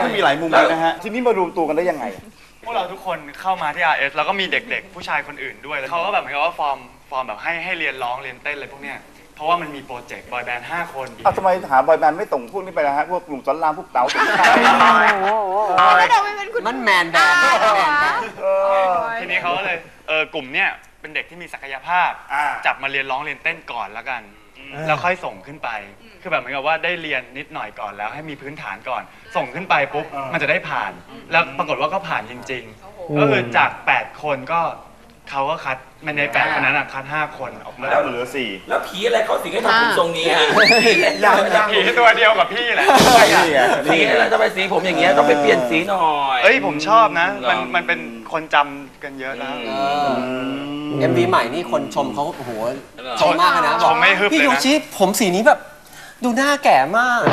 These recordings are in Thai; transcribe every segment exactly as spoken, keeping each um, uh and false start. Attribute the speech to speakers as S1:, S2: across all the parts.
S1: ต้องมีหลายมุมเลยนะฮะทีนี้มารวมตัวกันได้ยังไง
S2: พวกเราทุกคนเข้ามาที่ อาร์ เอส แล้วก็มีเด็กๆผู้ชายคนอื่นด้วยแล้วเขาก็แบบเหมือนกับว่าฟอร์มฟอร์มแบบให้ให้เรียนร้องเรียนเต้นอะไรพวกเนี้ยเพราะว่ามันมีโปรเจกต์บอยแบนด์ห้าคน
S1: อ้าวทำไมหาบอยแบนด์ไม่ตรงพวกนี้ไปนะฮะพวกกลุ่มสอนรามพวกเต๋าตุ๋นข้าว
S3: แล้วเราไม่เป็นคุณ
S4: มันแมนแบนด์
S2: ทีนี้เขาก็เลยเออกลุ่มเนี้ยเป็นเด็กที่มีศักยภาพจับมาเรียนร้องเรียนเต้นก่อนแล้วกันแล้วค่อยส่งขึ้นไปคือแบบเหมือนกับว่าได้เรียนนิดหน่อยก่อนแล้วให้มีพื้นฐานก่อนส่งขึ้นไปปุ๊บมันจะได้ผ่านแล้วปรากฏว่าก็ผ่านจริงๆก็คือจากแปดคนก็เขาก็คัดมันในแปดคนนั้นอะคัดห้าคนออกมา
S1: แล้วเหลือสี่
S5: แล้วผีอะไรเขาสิงให้ทำผมทรงนี้ฮะ
S2: ผีตัวเดียวกับพี่แหละ
S5: สีอะไรทำไมสีผมอย่างเงี้ยต้องไปเปลี่ยนสีหน่อย
S2: เอ้ยผมชอบนะมันมันเป็นคนจำกันเยอะแล้ว
S4: เอ็มวีใหม่นี่คนชมเขาโอ้โหชมมากนะ
S2: บอก
S4: พี่ยูชิผมสีนี้แบบดูหน้าแก่มาก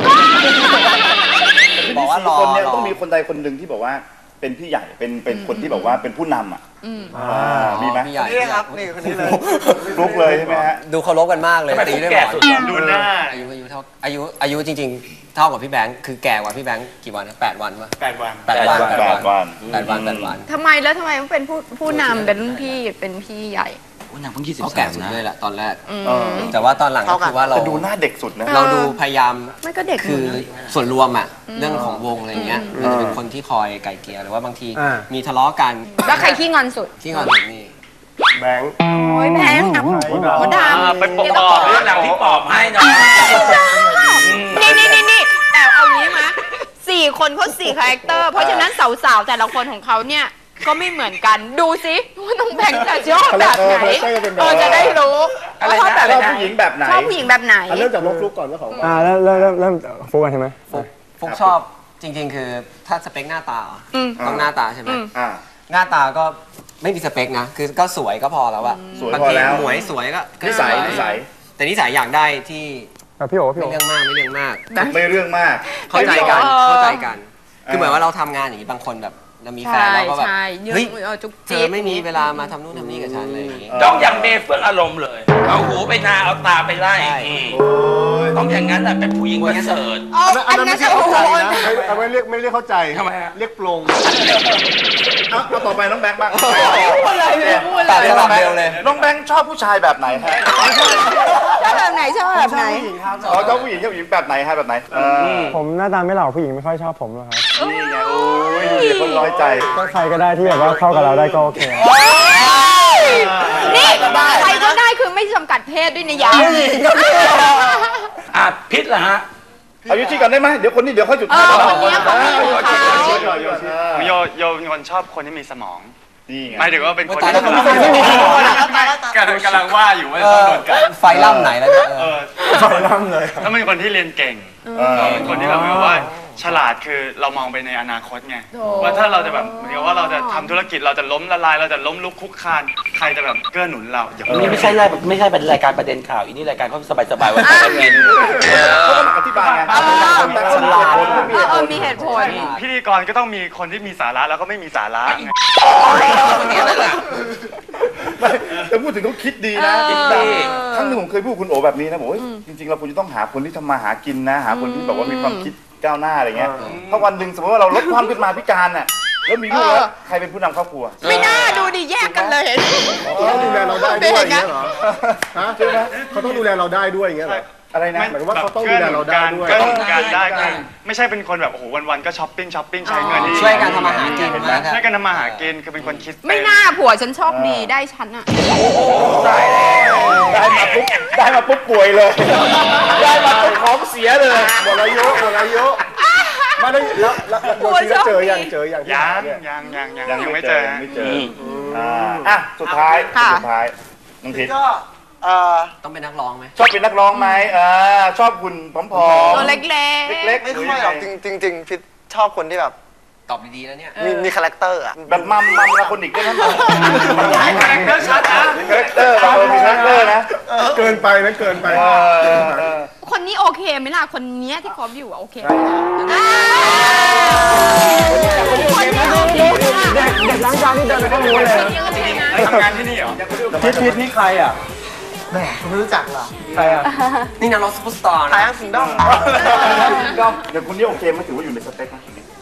S1: บอกว่ารอคนนี้ต้องมีคนใดคนหนึ่งที่บอกว่าเป็นพี่ใหญ่เป็นเป็นคนที่แบบว่าเป็นผู้นำอ่ะมีไหม
S4: พี่ใหญ่
S3: นี่ครับนี่คนนี้เลย
S1: ลุกเลยใช่ไหมฮะ
S4: ดูเคารพกันมากเลยตีด้วยหมอน
S2: ดูหน้า
S4: อายุอายุเท่าอายุอายุจริงๆเท่ากับพี่แบงค์คือแก่กว่าพี่แบงค์กี่วันนะแปดวันป่ะ
S2: แปดวัน
S4: แปดวัน
S1: แปดวัน
S4: แปดวันแปดวัน
S3: ทำไมแล้วทำไมต้องเป็นผู้ผู้นำเป็นรุ่นพี่เป็นพี่ใหญ่
S5: หนังเพิ่งยี่สิบ
S4: เขาแก่สุดเลยแหละตอนแรก
S1: แต่
S4: ว่าตอนหลังก็คือว่าเรา
S1: ดูหน้าเด็กสุดนะ
S4: เราดูพยายาม
S3: ไม่ก็เด็ก
S4: คือส่วนรวมอ่ะเรื่องของวงอะไรเงี้ยเราจะเป็นคนที่คอยไก่เกลี่ยหรือว่าบางทีมีทะเลาะกัน
S3: แล้วใครขี้งอนสุด
S4: ขี้งอนสุดนี่
S1: แบงค์
S3: โอ้ยแบงค์อ่ะมดดำ
S2: ไปปอบ
S5: เรื่องหลังที่ปอบให้หน่อย
S3: นี่นี่นี่นี่แต่เอางี้มั้ยสี่คนเขาสี่คาแรคเตอร์เพราะฉะนั้นสาวๆแต่ละคนของเขาเนี่ยก็ไม่เหมือนกันดูสิว่าน้องแบงค์จะชอบแบบไหนเราจะได้รู้
S1: ว่าชอบแบบผู้หญิงแบบไหน
S3: ชอบผู้หญิงแบบไหน
S6: เริ่มจากน้องฟลุ๊กก่อนก็ของ
S7: อ่าเริ่มเริ่มเริ่มเริ่มฟุ๊กใช่ไหม
S4: ฟุ๊กชอบจริงๆคือถ้าสเปคหน้าตาต้องหน้าตาใช่ไหมหน้าตาก็ไม่มีสเปคนะคือก็สวยก็พอแล้วอะบางทีหมวยสวยก็
S1: นิสัยนิสัย
S4: แต่นิสัยอยากได้ที่
S7: พี่โอ๋พี่
S4: โอ๋ไม่เรื่องมากไม่เรื่องมาก
S1: ไม่เรื่องมาก
S4: เข้าใจกันเข้าใจกันคือเหมือนว่าเราทำงานอย่างนี้บางคนแบบเรามีแฟนเราก็แบบเฮ้ยเธอไม่มีเวลามาทำนู่นทำนี่กับฉันเลยอย่างนี้
S5: ต้องอย่างเมย์เฟื่องอารมณ์เลยเอาหูไปนาเอาตาไปไล่ต้องอย่างนั้นแหละเป็นผู้หญิงประเสริฐ
S3: อันนั้นจะโอ้โห
S6: เอาไม่เรียกไม่เรียกเข้าใจ
S5: ทำไมเ
S6: รียกปลง
S1: เอาต่อไปน้องแบงค์บ้าง
S3: พูดอะไรเลยพูดอะไร
S4: เลยเร็วเลย
S1: น้องแบงค์ชอบผู้ชายแบบไหนฮะ
S3: ชอบแบบไหนชอบแบบไหน
S1: อ๋อชอบผู้หญิงชอบผู้หญิงแบบไหนฮะแบบไหน
S7: ผมหน้าตาไม่หล่อผู้หญิงไม่ค่อยชอบผมหรอกครับ
S1: นี่ไงโอ้ยดูดิคนน้อยใจ
S7: ก็ใครก็ได้ที่แบบว่าเข้ากับเราได้ก็โอเค
S3: นี่ใครก็ได้คือไม่จำกัดเพศด้วยนะยา
S5: อ่ะพิษเหรอฮะ
S1: เอาโยชิก่อนได้ไหมเดี๋ยวคนนี้เดี๋ยวเขาจุด
S3: ท้ายคนนี้เขาไม่
S2: โยชิโยโยเป็นคนชอบคนที่มีสมอง
S1: นี่ไง
S2: หมายถึงว่าเป็นคนที่กำลังว่าอยู่ว่าต้องโดนกัน
S4: ไฟล่ำไหนแล้วเนี่ย
S1: ไฟล่ำเลย
S2: ถ้าเป็นคนที่เรียนเก่งเป็นคนที่แบบว่าฉลาดคือเรามองไปในอนาคตไงว่าถ้าเราจะแบบเหมือนกับว่าเราจะทำธุรกิจเราจะล้มละลายเราจะล้มลุกคุกคานใครจะแบบเกื้อหนุนเรา
S5: อย่างนี้ไม่ใช่รายไม่ใช่เป็นรายการประเด็นข่าวอีนี่รายการเขาสบายๆวันจะกิน
S1: เขาต้องอธิบายไง
S3: มีเหตุผล
S2: พิธีกรก็ต้องมีคนที่มีสาระแล้วก็ไม่มีสาระ
S1: แต่พูดถึงเขาคิดดีนะครั้งหนึ่งผมเคยพูดคุณโอแบบนี้นะบอกว่าจริงๆเราควรจะต้องหาคนที่ทำมาหากินนะหาคนที่แบบว่ามีความคิดก้าวหน้าอะไรเงี้ยถ้าวันหนึ่งสมมติว่าเราลดความขึ้นมาพิการน่ะแล้วมีลูกแล้วใครเป็นผู้นำครอบครัว
S3: ไม่น่าดูดิแยกกันเลยเห็น
S6: เขาต้องดูแลเราได้ด้วยอย่างเงี้ยเหรอฮะใช่ไหมเขาต้องดูแลเราได้ด้วยอย่างเงี้ยเหรอ
S1: อะไรนะ
S6: หมายถึงว่าเขาต้องดูแลเราได้ด้วย
S2: ก็การได้กันไม่ใช่เป็นคนแบบโอ้โหวันๆก็ช้อปปิ้งช้อปปิ้งใช้เงิน
S4: ช่วยกันทำมาหากิน
S2: ช่วยกันทำมาหากินคือเป็นคนคิด
S3: ไม่น่าผัวฉันชอบดีได้ฉันอะ
S1: ได้ได้มาปุ๊บได้มาปุ๊บป่วยเลยได้มาปุ๊บของเสียเลย
S6: หมดอายุหมดอายุมาได้แล้วแล้วโยชิเจอยังเจอยัง
S2: ยังยังยังยังยังไม่เจอ
S1: ไม่เจออ่ะสุดท้ายสุดท้ายน้องพิษ
S4: ต้องเป็นนักร้องไหม
S1: ชอบเป็นนักร้องไหมชอบคุณผอมๆ
S3: ตัวเล็ก
S1: ๆเล็ก
S6: ไม่ค่อยหรอกจริงจริงพิษชอบคนที่แบบ
S4: ตอบดีๆแล้วเนี่ย
S6: มีมีคาแรคเตอร์อะ
S1: แบบมัมมัมละคนอีกได้ไหม
S2: คาแรคเตอร์ชัดนะ
S1: คาแรคเตอร์มีคาแรคเตอร์นะ
S6: เกินไปนะเกินไป
S3: คนนี้โอเคไหมล่ะคนนี้ที่คบอยู่โอเค
S7: เด็กเด็กล้างจานที่เดินไปก็รู้เลย
S2: ทำงานที่นี่เหรอ
S7: พิษพิษนี่ใครอ่ะ
S6: แหมคุณไม่รู้จักเหรอ
S7: ใครอ่ะ
S4: นี่นักร้องซุปเปอร์สตาร์นะ
S6: ทายอังสิงด้อม
S1: ด้อมเดี๋ยวคุณนี่โอเคไหมถือว่าอยู่ในสเปคไหม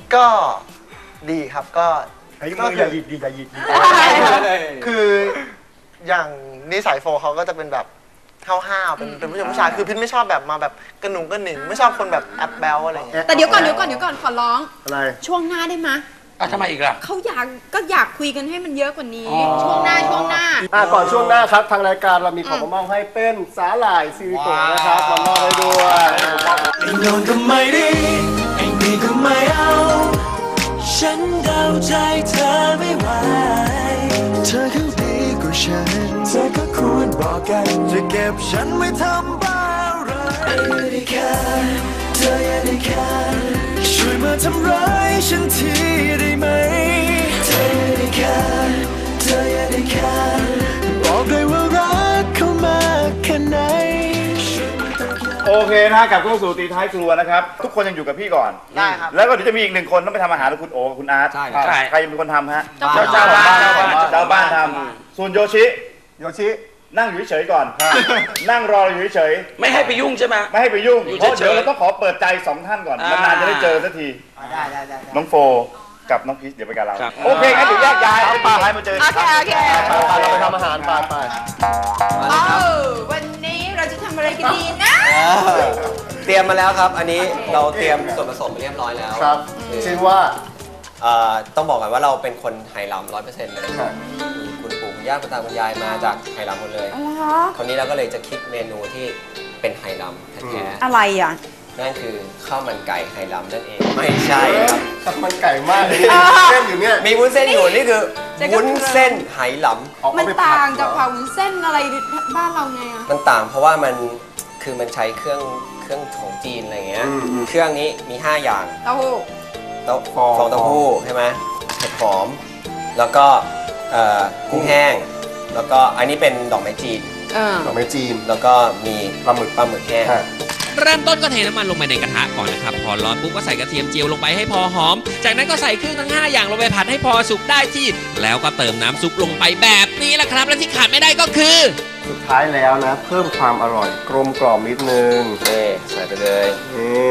S8: ก็ดีครับก็
S6: ไอ้มืออย่าหยิบดีอย่าหยิบ
S8: คืออย่างนิสัยโฟเขาก็จะเป็นแบบห้าวๆเป็นเป็นผู้ชายผู้ชายคือพิทไม่ชอบแบบมาแบบกระหนุ่งกระหนิงไม่ชอบคนแบบแอบแบลอะไรอย่างเงี้ย
S3: แต่เดี๋ยวก่อนเดี๋ยวก่อนเดี๋ยวก่อนขอร้อง
S6: อะไร
S3: ช่วงหน้าได้ไหม
S5: อ่ะทำไมอีกล่ะ
S3: เขาอยากก็อยากคุยกันให้มันเยอะกว่านี้ ช่วงหน้าช่วงหน้า
S6: อ่ะก่อนช่วงหน้าครับทางรายการเรามีของมามอบให้เป็นสาหร่ายซิลิโคนนะครับมามอบให้ด้วย
S9: ไอ้โน่นก็ไม่ดีไอ้นี่ก็ไม่เอาฉันเดาใจเธอไม่ไหวเธอเขาดีกว่าฉันเธอก็ควรบอกกันจะเก็บฉันไม่ทำบ้าอะไรไม่ได้แค่เธออย่าได้แค่ช่วยมาทำร้ายฉันทีได้ไหมเธออย่าได้แค่เธออย่าได้แค่บอกเลยว่ารักเขามากแค่ไหน
S1: โอเคนะกลับเข้าสู่ตีท้ายครัวนะครับทุกคนยังอยู่กับพี่ก่อน
S8: ได้ครับ
S1: แล้วก็เดี๋ยวจะมีอีกหนึ่งคนต้องไปทำอาหารกับคุณโอคุณอาร์ต
S4: ใช่ครับ
S1: ใครเป็นคนทำฮะ
S3: เจ้าของ
S1: บ้านเจ้าบ้านเจ้าบ้านทำส่วนโยชิ
S6: โยชิ
S1: นั่งอยู่เฉยๆก่อน นั่งรออยู่เฉย
S5: ไม่ให้ไปยุ่งใช่ไหม
S1: ๆไม่ให้ไปยุ่ง
S5: อยู่
S1: เพราะ
S5: เฉยๆ
S1: เดี๋ยวเราต้องขอเปิดใจสองท่านก่อน
S5: อ่าน
S1: านๆจะได้เจอสักที
S8: ได้ได้ได้
S1: น้องโฟกับน้องพีชเดี๋ยวไปกับเรา
S5: ครับ
S1: โอเคงั้นเดี๋ยวแยกย้ายไปท้ายมาเจอ
S3: โอเคโอเค
S6: ไปเราไปทำอาหารไปไป
S3: เออวันนี้เราจะทำอะไรกันดีนะ
S4: เตรียมมาแล้วครับ อันนี้เราเตรียมส่วนผสมมาเรียบร้อยแล้ว
S6: ครับชื่อว่า
S4: เอ่อต้องบอกก่อนว่าเราเป็นคนไหหลำร้อยเปอร์เซ็นต์เลยมีคุณปู่คุณย่าคุณตาคุณยายมาจากไหหลำหมดเลยคราวนี้เราก็เลยจะคิดเมนูที่เป็นไหหลำแท้
S3: อะไรอ่ะ
S4: ๆนั่นคือข้าวมันไก่ไหหลำนั่นเองไม่ใช่ครับ
S6: ข้าวมันไก่มากเลยเส้นอยู่เนี่ย
S4: มีวุ้นเส้นอยู่นี่คือวุ้นเส้นไหหลำ
S3: มันต่างจากผักวุ้นเส้นอะไรบ้านเราไงอ่ะ
S4: มันต่างเพราะว่ามันคือมันใช้เครื่องเครื่องของจีนอะไรเงี้ยเครื่องนี้มีห้าอย่าง
S3: เต้าหู้
S4: เต้าฟองเต้าหู้ใช่ไหมเห็ดหอม แล้วก็เอ่อกุ้งแห้ง แล้วก็อันนี้เป็นดอกไม้จีน
S3: เออ
S6: ดอกไม้จีน
S4: แล้วก็มีปลาหมึกปลาหมึกแห้ง
S10: เริ่มต้นก็เทน้ำมันลงไปในกระทะก่อนนะครับ พอร้อนปุ๊บก็ใส่กระเทียมเจียวลงไปให้พอหอม จากนั้นก็ใส่เครื่องทั้งห้าอย่างลงไปผัดให้พอสุกได้ที่ แล้วก็เติมน้ำซุปลงไปแบบนี้แหละครับ และที่ขาดไม่ได้ก็คือ
S6: สุดท้ายแล้วนะ เพิ่มความอร่อยกลมกล่อมนิดนึง
S4: นี่ใส่ไปเลย
S6: นี่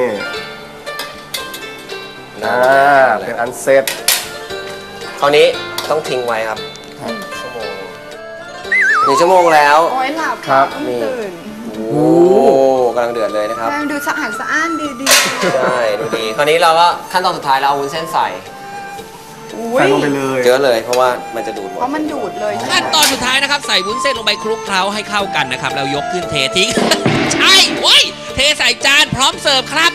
S6: อ่าเป็นอันเสร็จ
S4: คราวนี้ต้องทิ้งไว้ครับชั่วโมงหนึ่งชั่วโมงแล้ว
S3: โอ้ยหลับ
S6: ครับ
S3: ต้องตื่น
S4: โอ้กำลังเดือดเลยนะครับ
S3: แม่งดูสะอาดสะอ้านดีดี
S4: ใช่ดูดีคราวนี้เราก็ขั้นตอนสุดท้ายเราเอาวุ้นเส้นใส่
S3: อุ้
S6: ใส่
S3: ย
S6: ลงไปเลย
S4: เยอะเลยเพราะว่ามันจะดูดหมด
S3: เพราะมันดูดเลยใช่ไหม
S10: ขั้นตอนสุดท้ายนะครับใส่วุ้นเส้นลงไปคลุกเคล้าให้เข้ากันนะครับแล้วยกขึ้นเททิ้ง ใช่เว้ยเทใส่จานพร้อมเสิร์ฟครับ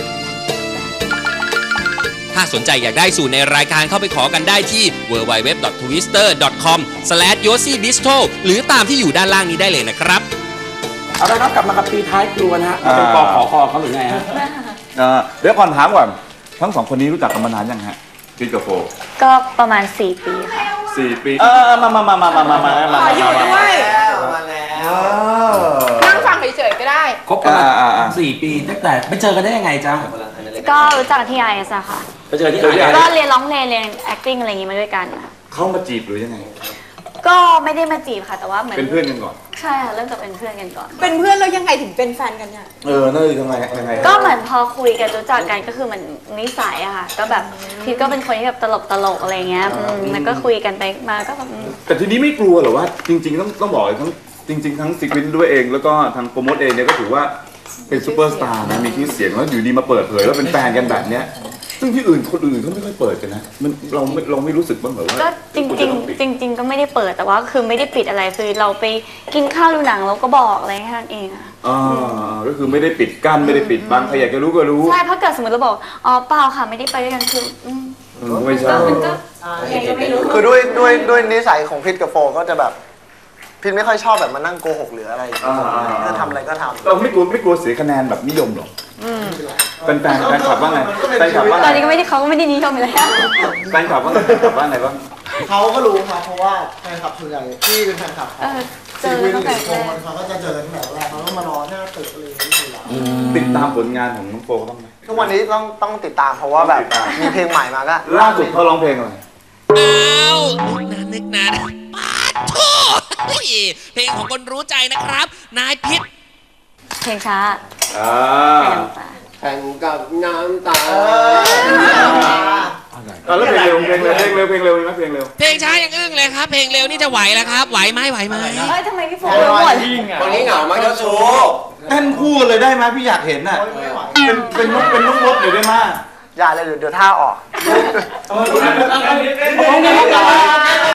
S10: ถ้าสนใจอยากได้สูตรในรายการเข้าไปขอกันได้ที่ ดับเบิลยู ดับเบิลยู ดับเบิลยู ดอท ทวิสเตอร์ ดอท คอม สแลช โยซี่บิสโท หรือตามที่อยู่ด้านล่างนี้ได้เลยนะครับ
S5: เอาละครับกลับมากับปีท้ายครัวนะฮะเป็นปอขอคอเขาหรือไงฮะ
S1: เอ่อเดี๋ยวก่อนถามก่อนทั้งสองคนนี้รู้จักกันมานานยังฮะพีชกับโฟ
S11: ก็ประมาณสี่ปีค่ะ
S1: สี่ปีเออมามามามามามามามา
S3: ขออยู่ด้วย
S4: มาแล้ว
S3: นั่งฟังเฉยๆก็ได้
S5: คบกันมาสี่ปีตั้งแต่ไปเจอกันได้ยังไงจ๊ะ
S11: ก็รู้จักที่ไอเอสอะค่ะ
S5: ไปเจอที่ไหน
S11: ก็เรียนร้องเพลงเรียน acting อะไรอย่างงี้มาด้วยกันค่ะ
S1: เข้ามาจีบหรือยังไง
S11: ก็ไม่ได้มาจีบค่ะ แต่ว่าเหมือน
S1: เป็นเพื่อนกันก่อน
S11: ใช่ค่ะเริ่มจากเป็นเพื่อนกันก่อน
S3: เป็นเพื่อนแล้วยังไงถึงเป็นแฟนกันเนี่ย
S1: เออนั่นคือยังไงยังไง
S11: ก็เหมือนพอคุยกันรู้จักกันก็คือเหมือนนิสัยอะค่ะ ก็แบบพีทก็เป็นคนที่แบบตลกตลกๆอะไรเงี้ยอืมแล้วก็คุยกันไปมาก็แบบอืม
S1: แต่ทีนี้ไม่กลัวเหรอว่าจริงๆต้องต้องบอกเลยทั้งจริง ๆ ทั้งซิกวินด้วยเองแล้วก็ทางโปรโมทเองเนี่ยก็ถือว่าเป็นซูเปอร์สตาร์นะมีชื่อเสียงแล้วอยู่ดีมาเปิดเผยแล้วเป็นแฟนกันแบบเนี้ยซึ่งที่อื่นคนอื่นเขาไม่ค่อยเปิดกันนะมันเราไม่เราไม่รู้สึกบ้างเหรอว่า
S11: ก็จริงจริงๆจริง ๆ ก็ไม่ได้เปิดแต่ว่าคือไม่ได้ปิดอะไรคือเราไปกินข้าวดูหนังเราก็บอกอะไรแค่นั้นเองอะ
S1: อ่าก็คือไม่ได้ปิดกั้นไม่ได้ปิดบังใครอยากจะรู้ก็รู้
S11: ใช่เพราะเกิดสมมติเราบอกอ๋อเปล่าค่ะไม่ได้ไปด้วยกันคืออืม
S1: ไม่ใช่
S11: มันก็ยังไงก็ไม่รู้
S8: คือด้วยด้วยด้วยนิสัยของพิทกับโฟก็จะแบบพิทไม่ค่อยชอบแบบมานั่งโกหกหรืออะไรอย่างเงี้ยก็ทำอะไรก็ทำ
S1: เราไม่กลัวไม่กลัวเสียคะแนนแบบนิยมหรอกเป็นแฟนแฟนคลับว่าไงแฟนคลับว่า
S11: ตอน
S1: ไง
S11: นี้ก็ไม่ได้เขาก็ไม่ได้นิยมอยู่แล้ว
S1: แฟนคลับว่าไงแฟนคลับว่าไงบ้าง
S8: เขาก็รู้ครับเพราะว่าแฟนคลับส่วนใหญ่ที่เป็นแฟนคลับ
S11: เออเจอตั้งแต่แรก
S8: เขาก็จะเจอตั้งแต่แรกเขาก็มารอหน้าตึกอะไรอย่างเงี้ยอยู่แล้ว
S1: ติดตามผลงานของน้องโฟบ้างไหม
S8: ทุกวันนี้ต้องต้องติดตามเพราะว่าแบบมีเพลงใหม่มาก็
S1: ล่าสุดเขาร้องเพลงอะไร
S10: อ้าวนึกนานนึกนานปาดโถ่เฮ้ยเพลงของคนรู้ใจนะครับ นายพิษ
S11: เพลงช้า
S1: อ่า
S11: แข่งน้ำตา
S4: แข่งกับน้ำตา
S1: เพลงเร็วเพลงเร็วเพลงเร็วเพลงเร็วเพลงเร็ว
S10: เพลงช้ายังอึ้งเลยครับ เพลงเร็วนี่จะไหวแล้วครับ ไหวไหมไหวไหม
S11: เอ้ยทำไมพี่โฟรู้หมด
S4: วันนี้เหงามากเจ้าชู้
S1: เต้นคู่กันเลยได้ไหมพี่อยากเห็นน่ะเป็นเป็นนกเป็นนกมดเลยได้ไหม
S8: อย่าเลยเดี๋ยวเดี๋ยวท่าออก
S1: เออ